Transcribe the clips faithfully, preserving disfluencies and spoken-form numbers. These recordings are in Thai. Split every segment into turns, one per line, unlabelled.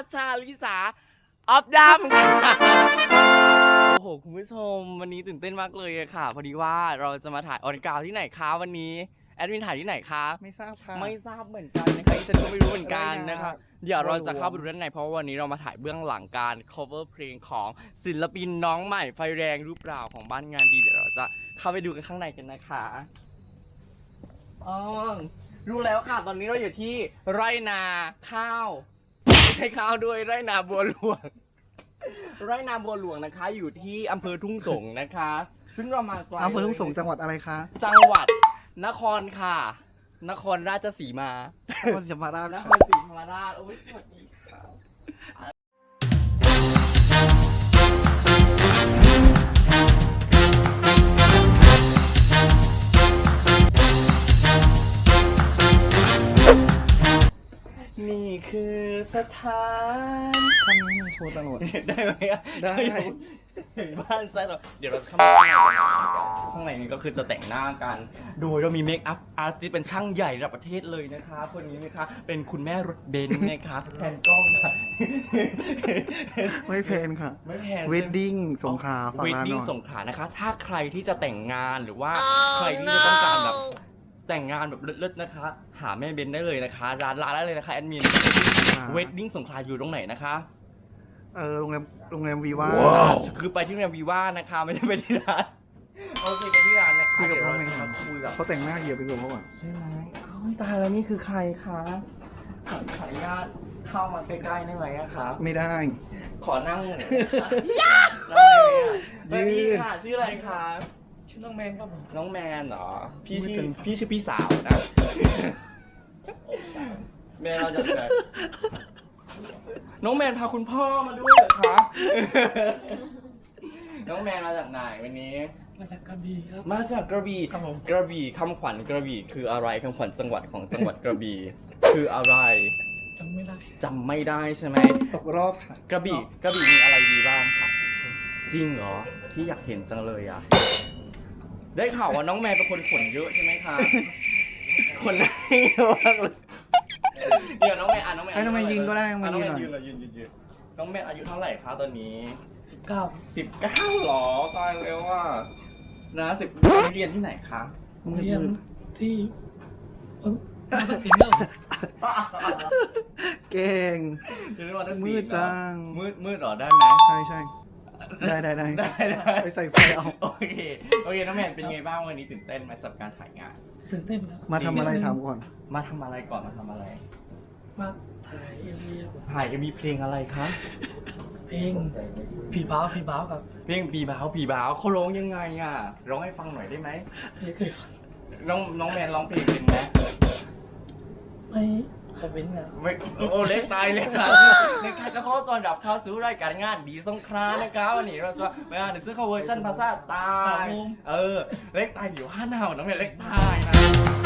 ชาลิสาออฟดัมค่ะโอ้โหคุณผู้ชมวันนี้ตื่นเต้นมากเลยค่ะพอดีว่าเราจะมาถ่ายออนกราวที่ไหนคะวันนี้แอดมินถ่ายที่ไหนคะ
ไม่ทราบค่ะ
ไม่ทราบเหมือนกันนะคะฉันก็ไม่รู้เหมือนกันนะคะเดี๋ยวเราจะเข้าไปดูด้านในเพราะวันนี้เรามาถ่ายเบื้องหลังการ cover เพลงของศิลปินน้องใหม่ไฟแรงรูปราวของบ้านงานดีเดี๋ยวเราจะเข้าไปดูกันข้างในกันนะคะอ๋อรู้แล้วค่ะตอนนี้เราอยู่ที่ไร่นาข้าวไม่ใช่ข้าวด้วยไร่นาบัวหลวงไร่นาบัวหลวงนะคะอยู่ที่อำเภอทุ่งสงนะคะ ซึ่งเรามาไกล
อำเภอทุ่งสงจังหวัดอะไรคะ
จังหวัดนครค่ะ นครราชสีมาน
ครศรีธรรมราช
นครศรีธรรมราชโอ้ยสวัสดีค่ะนี่คือสถาน
ท่านนี้โชว์ตลอด
ได้ไหมอะ
ได้
เห็นบ้านไซต์เราเดี๋ยวเราจะเข้ามาข้างในข้างในนี้ก็คือจะแต่งหน้ากัน โดยเรามีเมคอัพอาร์ติสต์เป็นช่างใหญ่ระดับประเทศเลยนะคะคนนี้นะคะเป็นคุณแม่รถเบนซ์นะคะแทนกล้องค่ะ
ไม่แพนค่ะ
ไม่แพง
เวดดิ้งสงขลาฝาก
เวด
ร้านห
ดิ้ง
น่อย
สงขลานะคะ ถ้าใครที่จะแต่งงานหรือว่าใครที่จะต้องการแบบแต่งงานแบบเลิศๆนะคะ หาแม่เบนได้เลยนะคะร้านร้านได้เลยนะคะแอดมินเวดดิ้งสงขลาอยู่ตรงไหนนะคะ
เออโรงแรมโรงแรมวีว่า
คือไปที่โรงแรมวีว่านะคะไม่ใช่ไปที่ร้านโอเคไปที่ร้านนะคะ
คุยกับ
เดี๋ยว
เขา
เรา
ไหม
จะ
ครั
มา
บ
คุยกับ
เขาแต่งหน้าเหยียบไปก่อนเขาก่อน
ใช่ไหมอ้าวตายแล้วนี่คือใครคะขอขออนุญาตเข้ามาใกล้ๆได้ไหมอะครับ
ไม่ได้
ขอนั่งหน่อยนะคะนั่งได้ไหมอะสวัสดีค่ะชื่ออะไรคะ
ชื่อน้องแมนครับผม
น้องแมนเหรอพี่ชื่อ
ไม่เป็น
พี่ชื่อพี่สาวนะแมนเราจากไหนน้องแมนพาคุณพ่อมาด้วยเหรอคะน้องแมนมาจากไหนวันนี้
มาจากกระบี่ครับ
มาจากกระบี่
ครับผม
กระบี่คำขวัญกระบี่คืออะไรคำขวัญจังหวัดของจังหวัดกระบี่คืออะไร
จำไม่ได้
จำไม่ได้ใช่ไหม
ตกรอบค่ะ
กระบี่กระบี่มีอะไรดีบ้างคะจริงเหรอที่อยากเห็นจังเลยอ่ะได้ข่าวว่าน้องแมนเป็นคนขนเยอะใช่ไหมคะขนเยอะมากเลยเดี๋ยวน้องแมนอ่ะน้องแมน
ให้น้องแมนยืนก็ได้น้องแมน
น้อง
ยื
แม
น
น
หน่อย
ยืนเลยยืนยืนยืนน้องแมนอายุเท่าไหร่คะตอนนี้
สิบเก้า
สิบเก้าหรอตายแล้วอ่ะนะสิบเรียนที่ไหนคะ
เรียนที่เอ้ามาตัดสินแล้ว
เก่ง
เรียนวัน
มืดจัง
มืดมืดเหรอได้ไหม
ใช่ใช่ได้ได้ได้
ได้ได้
ไปใส่ไฟเอา
โอเคโอเคน้องแมนเป็นไงบ้างวันนี้ตื่นเต้นไหมสำหรับการถ่ายงาน
ตื่นเต้นครับ
มาทำอะไรถามก่อน
มาทำอะไรก่อนมาทำอะไร
มาถ่ายเอ็มวีครับผม
ถ่ายจะมีเพลงอะไรคะ
เพลงผีบ้าวผีบ้าวครับ
เพลงปีบ้าวปีบ้าวเขาร้องยังไงอ่ะร้องให้ฟังหน่อยได้ไหม
ไม่เคยฟัง
น้องน้องแมนร้องเพลงเป็นไหม
ไม่เคยเป็นครับ
ไม่โอ้เล็กตายเลยค่ะในการจะขอตอนรับเข้าสู่รายการงานดีสงครานนะครับวันนี้เราจะมาอ่านในซื้อข้าเวอร์ชันภาษาใต้เออเล็กตายอยู่ห้าหนาวน้องแมนเล็กตายนะ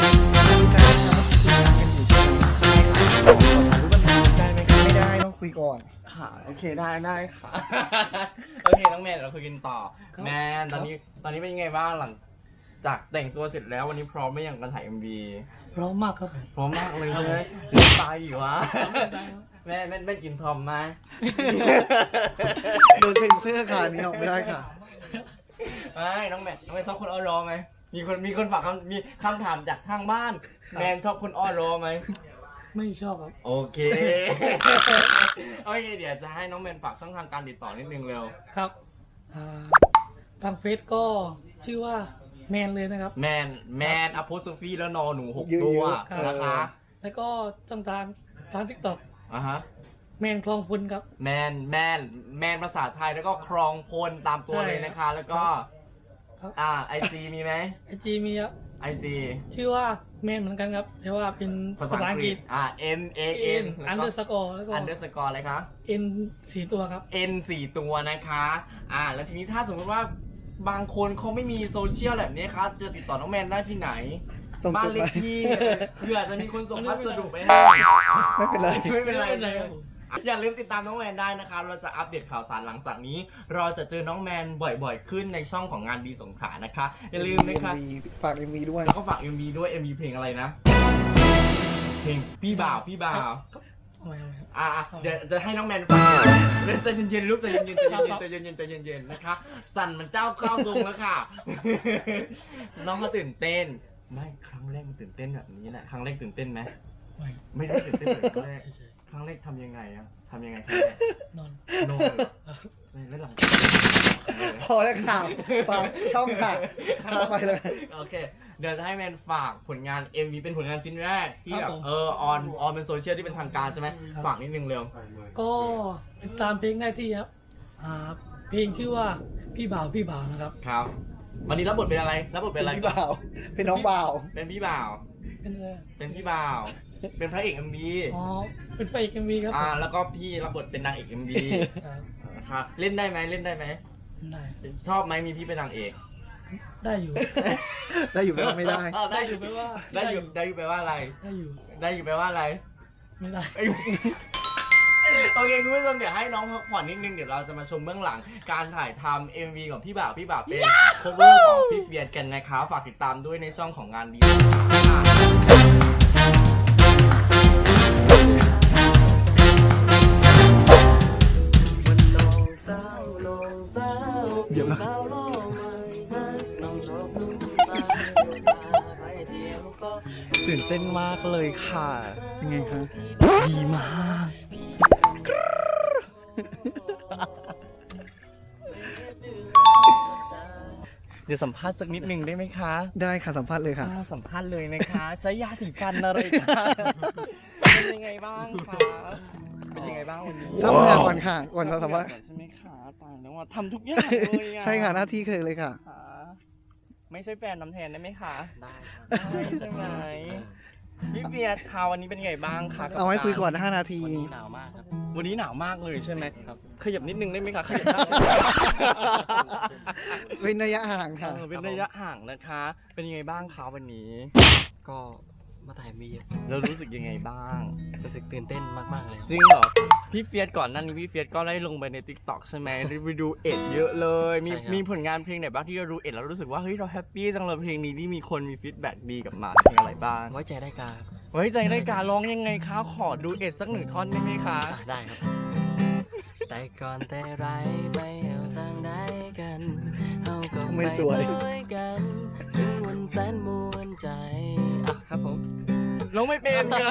ได้ไหมคะ
ไม่ได้ต้องคุยก่อน
ค่ะโอเคได้ได้ค่ะ โอเคน้องแมนเราคุยกันต่อแมนตอนนี้ตอนนี้เป็นยังไงบ้างหลังจากแต่งตัวเสร็จแล้ววันนี้พร้อมไหมอย่างการถ่าย เอ็ม วี
พร้อมมากครับผม
พร้อมมากเลยใช่ไหมเล่นตายอยู่วะ
ได้ครับ
แม่แม่แม่กินพร้อมไหม
โดนเซ็นเซอร์ค่ะนี่ออกไม่ได้ค่ะ
ไม่น้องแมนน้องแมนชอบคนอ้อนรอไหมมีคนมีคนฝากคำมีคำถามจากทางบ้านแมนชอบคนอ้อนรอไหม
ไม่ชอบครับ
โอเค โอเคเดี๋ยวจะให้น้องแมนฝากช่องทางการติดต่อนิดนึงเร็ว
ครับอ่าทางเฟซก็ชื่อว่าแมนเลยนะครับ
แมนแมนอโพสฟีแล้วนอหนูหก
เยอะๆ
ตัว
ครับ
นะคะ
แล้วก็ช่องทางทางทิกตอก
อ่ะฮะ
แมนคลองพุนครับ
แมนแมนแมนภาษาไทยแล้วก็ครองพลตามตัว
ใช่
เลยนะคะ แล้วก็
ครับ
อ่าไอจีมีไหม
ไอจีมีครับ
ไอจี
ชื่อว่าแมนเหมือนกันครับแต่ว่าเป็น
ภา
ภา
ษา
ษา
อั
อั
ง
ง
ก
ก
ฤ
ฤ
ษ
ษ
อ่า N A N
อันเดอร์สกอร์แล้วก็
อันเดอร์สกอร์อะไรคะ
N สี่ตัวครับ
N สี่ตัวนะคะ อ่า แล้วทีนี้ถ้าสมมติว่าบางคนเขาไม่มีโซเชียลแบบนี้ครับ จะติดต่อน้องแมนได้ที่ไหน
ส่ง
บ้า
จ
น
ด
เล
ห
ข
มาย
ที่เผื่อจะมีคนส่งพัสดุไปให้
ไม่เป็นไร
ไม่เป็นไร
ไม่เป็นไร
ใช่ไหม
ครับผม
อย่าลืมติดตามน้องแมนได้นะคะเราจะอัปเดตข่าวสารหลังจากนี้ เราจะเจอน้องแมนบ่อยๆ ขึ้นในช่องของงานดีสงขลานะคะ อย่าลืมนะคะ
ฝากเอ็มวีด้วย
แล้วก็ฝาก เอ็ม วี ด้วย เอ็ม วี เพลงอะไรนะ เพลงพี่บ่าวพี่บ่าว
มทำไมทำไม
อ่าเดี๋ยวจะให้น้องแมนฟังเดี๋ยวใจเย็นๆลูกใจเย็นๆใจเย็นๆใจเย็นๆใจเย็นๆนะคะสั่นมันเจ้าเข้าทรงแล้วค่ะ น้องเขาตื่นเต้นไม่ครั้งแรกมันตื่นเต้นแบบนี้แหละครั้งแรกตื่นเต้นไหม
ไม่
ไม่ได้ตื่นเต้นเหมือนครั้งแรก
เฉย
ครั้งแรกทำยังไงอะทำยังไงครั้งแรก
ๆนอน
โน่เลยใช่แล้วหลัง
พอแล้วค่ะฝากช่องค่ะไปเลย
โอเค เดี๋ยวจะให้แมนฝากผลงาน เอ็ม วี เป็นผลงานชิ้นแรกที่แบบเออออนออนเป็นโซเชียลที่เป็นทางการใช่ไหมฝากนิดนึงเร็ว
ก็ติดตามเพลงได้ที่ครับอ่าเพลงชื่อว่าพี่บ่าวพี่บ่าวนะครับ
ครับ วันนี้รับบทเป็นอะไรรับบทเป็นอะไร
พี่บ่าว เป็นน้องบ่าว
เป็นพี่บ่าว
เป็นอะไร
เป็นพี่บ่าว เป็นพระเอก เอ็ม วี
อ๋อเป็นพระเอกเอ็มวีครับ
อ่าแล้วก็พี่รับบทเป็นนางเอก เอ็ม วี
ครับ
ครับเล่นได้ไหมเล่นได้ไหม
ได้
ชอบไหมมีพี่เป็นนางเอก
ได้อยู่
ได้อยู่ไหมว่าไม่ได้
เออได้
ได้
อ
อยู่ ยู่ไหมว่า
ได้อยู่ได้อยู่แปลว่าอะไร
ได้อยู่
ได้อยู่แปลว่าอะไร
ไม่ได้
เอ้ยโอเคคุณผู้ชมเดี๋ยวให้น้องพักผ่อนนิดนึงเดี๋ยวเราจะมาชมเบื้องหลังการถ่ายทำ เอ็ม วี ของพี่บ่าวพี่บ่าวเป็น cover ของพี่เบียร์กันนะคะฝากติดตามด้วยในช่องของงานดีเดี๋ยวนะตื่นเต้นมากเลยค่ะ
ยังไงคะ
ดีมาก เดี๋ยวสัมภาษณ์สักนิดหนึ่งได้ไหมคะ
ได้ค่ะสัมภาษณ์เลยค่ะ
อ่าสัมภาษณ์เลยนะคะใช้ยาสีฟันอะไรคะเป็นยังไงบ้างคะเป็นยังไงบ้างวันนี้
ทำงานก่อนค่ะก่อนเราสัมภาษณ์
ใช่ไหมคะตายแล้วว่าทำทุกอย่างเลยอะ
ใช่ค่ะหน้าที่เคยเลยค่ะ
ค่ะไม่ใช่แฟนน้ำแทนได้ไหมคะ
ได้ครับ
ได้ใช่ไหมพี่เบียร์คะวันนี้เป็นไงบ้างคะบ
เอาไว้คุยก่อน
าร
ห้านาที
วันนี้หนาวมากครับ
วันนี้หนาวมากเลยใช่ไหม
ครับ
ขยับนิดนึงได้ไหมคะขยับได้ใช่ไหม
เป็นระยะห่างค่ะ
เออเป็นระยะห่างนะคะ เป็นยังไงบ้างคะวันนี้
ก็มาถ่ายมี
เรารู้สึกยังไงบ้าง
รู้สึกตื่นเต้นมากๆเลยครับ
จริงเหรอ พี่เฟียสก่อนหนั้นนี้พี่เฟียสก็ได้ลงไปใน ติ๊กต็อก ใช่ไหมได้ไปดูเอ็ดเยอะเลย มี
ใช่ครับ
มีผลงานเพลงไหนบ้างที่เราดูเอ็ดแล้วรู้สึกว่าเฮ้ยเราแฮปปี้จังเลยเพลงนี้ที่มีคนมีฟีดแบ็กดีกลับมาเพลงอะไรบ้าง
ไว้ใจได้การ
ไว้ใจได้การร้องยังไงคะขอดูเอ็ดสักหนึ่งท่อนได้ไหมคะ
อ่ะได้ครับ แต่ก่อนแต่ไรไปเอาต่างได้กันเอาก็
ไม่
ไป
สวย
ด้วยกันถึงวันแสนมวนใจอ่ะครับผม
ร้องไม่เป็นค่ะ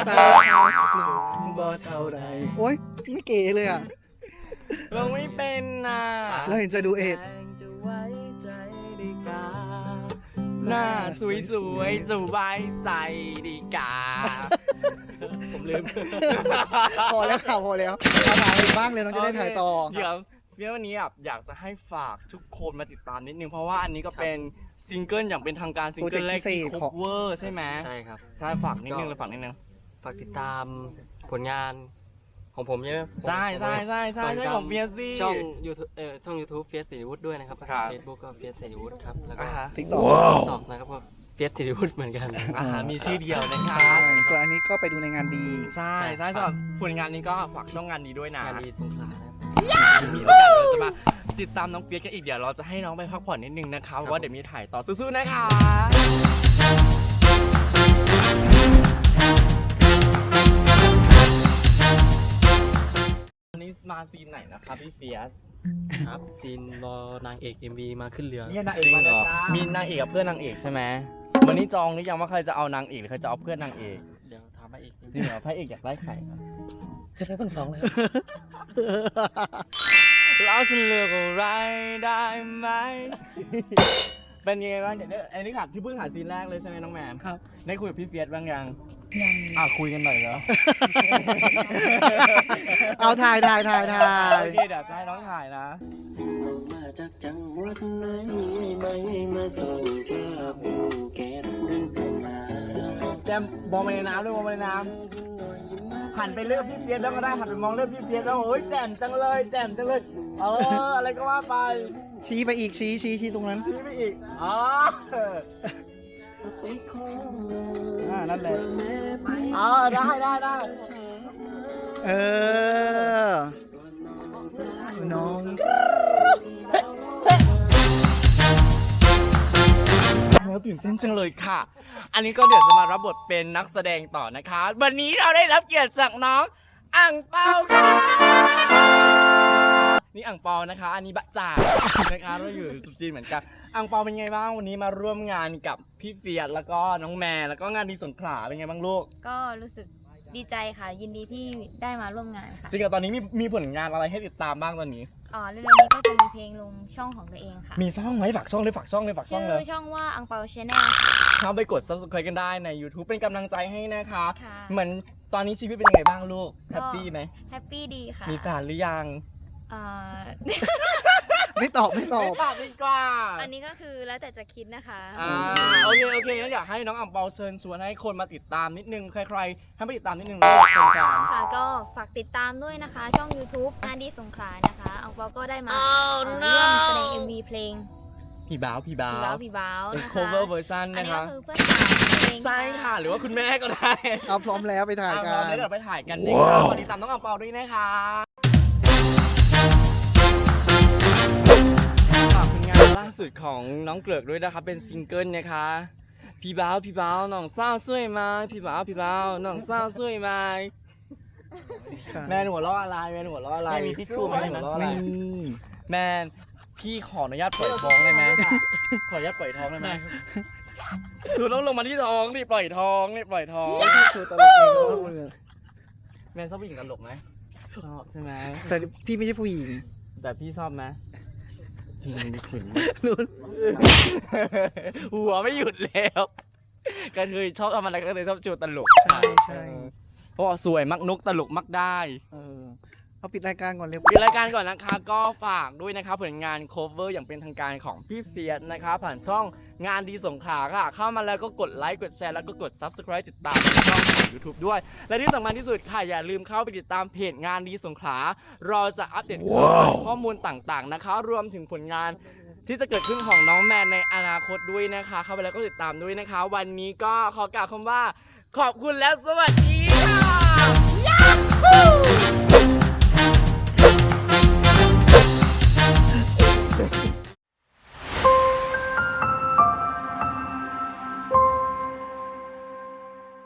บ่เท่าไรโอ๊ยไม่เก๋เลยอ่ะ
ร้องไม่เป็นน่ะ
แล้วเห็นจะดูเอ็ด
จะไว้ใจได้การ
หน้าสวยสวยๆสบายใจดีกา
ผมลืม
พอแล้วค่ะพอแล้วเอาถ่ายอีกบ้างเลยน้องจะได้ถ่ายต่อ
เดี๋ยวเดี๋ยววันนี้แบบอยากจะให้ฝากทุกคนมาติดตามนิดนึง เพราะว่าอันนี้ก็เป็นซิงเกิลอย่างเป็นทางการซิงเกิลแรกที่
โปรเจกต์พิเศษของ
cover ใช่ไหม
ใช่ครับ
ใช่ฝากนิดนึงเลยฝากนิดนึง
ฝากติดตามผลงานของผมใช่ไหม
ใช่ใช่ใช่ใช่ใช่ของเบียร์ซี่
ช่อง YouTube เอ่อช่อง YouTube เฟียสสิริวุฒิด้วยนะครับ
ครับ
Facebook ก็เฟียสสิริวุฒิครับ แล้วก็
อ่าฮะ
ติ๊กต็อก
ตอกนะครับก็เฟียสสิริวุฒิเหมือนกัน
อ่าฮะมีชื่อเดียวนะค
ใช่
รับ
ส่วนอันนี้ก็ไปดูในงานดี
ใช่ใช่สำหรับผลงานนี้ก็ฝากช่องงานนี้ด้วยนะ
งานดีสงขลานะครับ
มีโอกาสเราจะมาติดตามน้องเปียกกันอีกเดี๋ยวเราจะให้น้องไปพักผ่อนนิดนึงนะคะเพราะว่าเดี๋ยวมีถ่ายต่อสู้ๆนะคะอันนี้มาซีนไหนนะคะพี่เฟียส
ครับซีนรอนางเอก เอ็ม วี มาขึ้นเรือ
เนี่ยนางเอกเหรอมีนางเอกกับเพื่อนนางเอกใช่ไหมวันนี้จองหรือยังว่าใครจะเอานางเอกหรือใครจะเอาเพื่อนนางเอก
เดี๋ยวถามมาอีก
จริงเหรอพระเอกอยากได้ใคร
จะได้ทั้งสองเลยครับ
แล้วฉันเลือกอะไรได้ไหม เป็นยังไงบ้างเดี๋ยวเนี่ยอันนี้ขาดที่เพิ่งถ่ายซีนแรกเลยใช่ไหมน้องแมน
ครับ
ได้คุยกับพี่เฟียสบ้างยัง
ยัง
อ่ะคุยกันหน่อยเหรอ
เอาถ่ายถ่ายถ่ายถ่าย
โอเคเดี๋ยวจะให้น้องถ่ายนะ
มาจากจังหวัดไหนไม่มาส่งกระปูเกตมา
แจมมองไปในน้ำด้วยมองไปในน้ำหันไปเลือกพี่เฟียสแล้วก็ได้หันไปมองเลือกพี่เฟียสแล้วโอ้ยแจ่มจังเลยแจ่มจังเลยเอออะไรก็ว่าไป
ชี้ไปอีกชี้ชี้ชี้ตรงนั้น
ชี้ไปอีกอ๋ออ่านั่นแหละอ๋อได้ได้ได้
เออ น้อง
แล้วตื่นเต้นจังเลยค่ะ อันนี้ก็เดี๋ยวจะมารับบทเป็นนักแสดงต่อนะคะ วันนี้เราได้รับเกียรติจากน้องอ่างเปาค่ะนี่อ่างเปานะคะ อันนี้บะจ่านะคะเราอยู่สุจีนเหมือนกันอ่างเปาเป็นไงบ้างวันนี้มาร่วมงานกับพี่เฟียสแล้วก็น้องแม่แล้วก็งานดีสงขลาเป็นไงบ้างลูก
ก็รู้สึกดีใจค่ะ ยินดีที่ได้มาร่วมงานค่ะ
จริงๆตอนนี้มีมีผลงานอะไรให้ติดตามบ้างตอนนี้
อ๋อเร็วๆนี้ก็จะมีเพลงลงช่องของตัวเองค่ะ
มีช่องไหมฝากช่องเลยฝากช่องเลยฝากช่อง
ชื่
เลย
อช่องว่าอังเปาชาแนล
เข้าไปกด ซับสไครบ์ กันได้ใน ยูทูบ เป็นกำลังใจให้นะคะ
ค่ะ
เหมือนตอนนี้ชีวิตเป็นยังไงบ้างลูก แฮปปี้ไหม
แฮปปี้ดีค่ะ
มีแฟนหรือยัง
อ่า
ไม่ตอบไม่ตอบ
ไม่ตอบดีกว่า
อันนี้ก็คือแล้วแต่จะคิดนะคะ
อ่าโอเคโอเคงั้นอยากให้น้องอ่ำเปาเชิญชวนให้คนมาติดตามนิดนึง ใครๆให้มาติดตามนิดนึงลูกเป็นการ
ค่ะก็ฝากติดตามด้วยนะคะ ช่อง YouTube งานดีสงขลานะคะอังเปาก็ได้มาเอ่อร่วมแสดง เอ็ม วี เพลง
พี่บ้าวพี่บ้า
พี่
ว
บ้าวพี่บ้าว
เป็น
นะคะ
cover version
อัน
นะ
นี้
คะ
ก็คือเพื่อนสาวเพลง
ใช่ค่ะ หรือว่าคุณแม่ก็ได้
เอาพร้อมแล้วไปถ่าย
อ่ะ
กั
เรา
น
เดี๋ยวเราไปถ่ายกันนะคะวันนี้ตามน้องอ่ำเปาด้วยนะคะฝากผลงานล่าสุดของน้องเกลือกด้วยนะคะเป็นซิงเกิลนะคะ พี่บ้าวพี่บ้าวน้องสาวสวยไหมพี่บ้าวพี่บ้าวน้องสาวสวยไหมแม่หนูหัวเราะอะไรแม่หนูหัวเราะอะไรมีทิชชู่ไหมหัวเราะอะไร
มี
แม่พี่ขออนุญาตปล่อยท้องได้ไหมขออนุญาตปล่อยท้องได้ไหมคือต้องลงมาที่ท้องนี่ปล่อยท้องนี่ปล่อยท้อง
คือตลกเองเขาเลย
แม่ชอบผู้หญิงตลกไหมชอบใช่ไหม
แต่พี่ไม่ใช่ผู้หญิง
แต่พี่ชอบไหมจริงดิขุน
นู่น
หัวไม่หยุดแล้วก็คือชอบทำอะไรก็เลยชอบจูตลก
ใช่ใช่
เพราะว่าสวยมักนุกตลกมักได้
เออเอาปิดรายการก่อนเร็ว
ปิดรายการก่อนนะคะก็ฝากด้วยนะคะผลงาน cover อย่างเป็นทางการของพี่เฟียสนะคะผ่านช่องงานดีสงขลาค่ะ เข้ามาแล้วก็กดไลค์กดแชร์แล้วก็กด ซับสไครบ์ ติดตามช่องของ ยูทูบ ด้วย และที่สำคัญที่สุดค่ะอย่าลืมเข้าไปติดตามเพจงานดีสงขลาเราจะอัปเดตข้อมูลต่างๆนะคะรวมถึงผลงานที่จะเกิดขึ้นของน้องแมนในอนาคตด้วยนะคะ เข้าไปแล้วก็ติดตามด้วยนะคะ วันนี้ก็ขอกล่าวคำว่าขอบคุณและสวัสดีค่ะ